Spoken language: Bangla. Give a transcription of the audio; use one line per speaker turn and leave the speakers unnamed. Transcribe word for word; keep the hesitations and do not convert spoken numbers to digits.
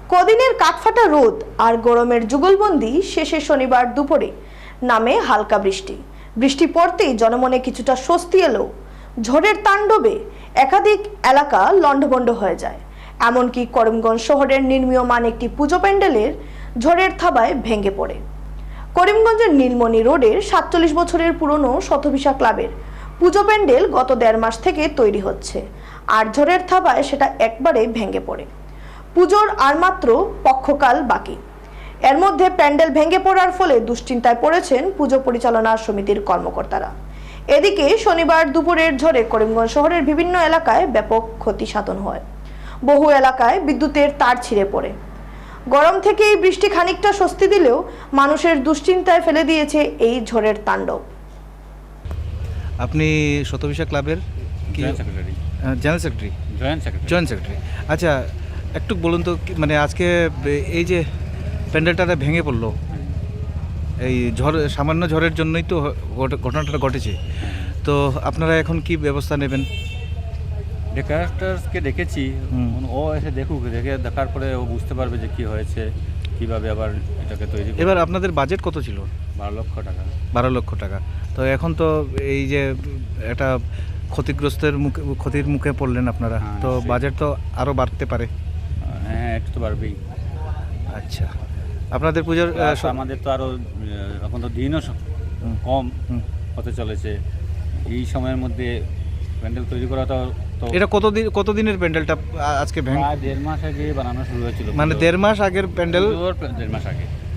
কদিনের কাঠফাটা রোদ আর গরমের যুগলবন্দি শেষে শনিবার দুপুরে নামে হালকা বৃষ্টি বৃষ্টি পড়তেই জনমনে কিছুটা স্বস্তি এলো। ঝড়ের তাণ্ডবে একাধিক এলাকা লণ্ডভণ্ড হয়ে যায়। এমনকি করিমগঞ্জ শহরের নির্মীয়মান একটি পুজো প্যান্ডেলের ঝড়ের থাবায় ভেঙে পড়ে। করিমগঞ্জের নীলমণি রোডের সাতচল্লিশ বছরের পুরনো শতভিসা ক্লাবের পুজো প্যান্ডেল গত দেড় মাস থেকে তৈরি হচ্ছে, আর ঝড়ের থাবায় সেটা একবারে ভেঙে পড়ে। পুজোর আর মাত্র পক্ষকাল বাকি। এর মধ্যে প্যান্ডেল ভেঙে পড়ার ফলে দুশ্চিন্তায় পড়েছেন পুজো পরিচালনা সমিতির কর্মকর্তারা। এদিকে শনিবার দুপুরের ঝড়ে করিমগঞ্জ শহরের বিভিন্ন এলাকায় ব্যাপক ক্ষতি সাধন হয়। বহু এলাকায় বিদ্যুতের তার ছিঁড়ে পড়ে। গরম থেকে এই বৃষ্টি খানিকটা স্বস্তি দিলেও মানুষের দুশ্চিন্তায় ফেলে দিয়েছে এই ঝড়ের তাণ্ডব।
আপনি শতভিসা ক্লাবের কি
secretary
general secretary
joint secretary
joint secretary আচ্ছা, একটু বলুন তো কি- মানে আজকে এই যে প্যান্ডেলটা ভেঙে পড়লো, এই ঝড় সামান্য ঝড়ের জন্যই তো ঘট- ঘটনাটা ঘটেছে। তো আপনারা এখন কি ব্যবস্থা নেবেন?
ডেকারেটার্সকে ডেকেছি,
হুম।
ও এসে দেখুক, দেখে দেখার পরে ও বুঝতে পারবে যে কি হয়েছে, কিভাবে আবার এটাকে তৈরি করবে।
এবার আপনাদের বাজেট কত ছিল?
বারো লক্ষ টাকা।
বারো লক্ষ টাকা। তো এখন তো এই যে একটা ক্ষতিগ্রস্তের মুখে ক্ষতির মুখে পড়লেন আপনারা,
হ্যাঁ,
তো
সেই।
বাজেট তো আরও বাড়তে পারে।
হ্যাঁ, একটু তো পারবেই।
আচ্ছা, আপনাদের পুজোর আহ,
Plus
স-
আমাদের তো আরও এখন তো দিনও স-
হুম।
কম
হুম।
হতে চলেছে। এই সময়ের মধ্যে প্যান্ডেল তৈরি করা তো তো
এটা কতদিন কতদিনের প্যান্ডেলটা আ- আজকে ভেঙে?
প্রায় দেড় মাস আগে বানানো শুরু হয়েছিল।
মানে
পুজোর-
দেড় মাস আগের প্যান্ডেল।
পুজোর দেড় মাস আগে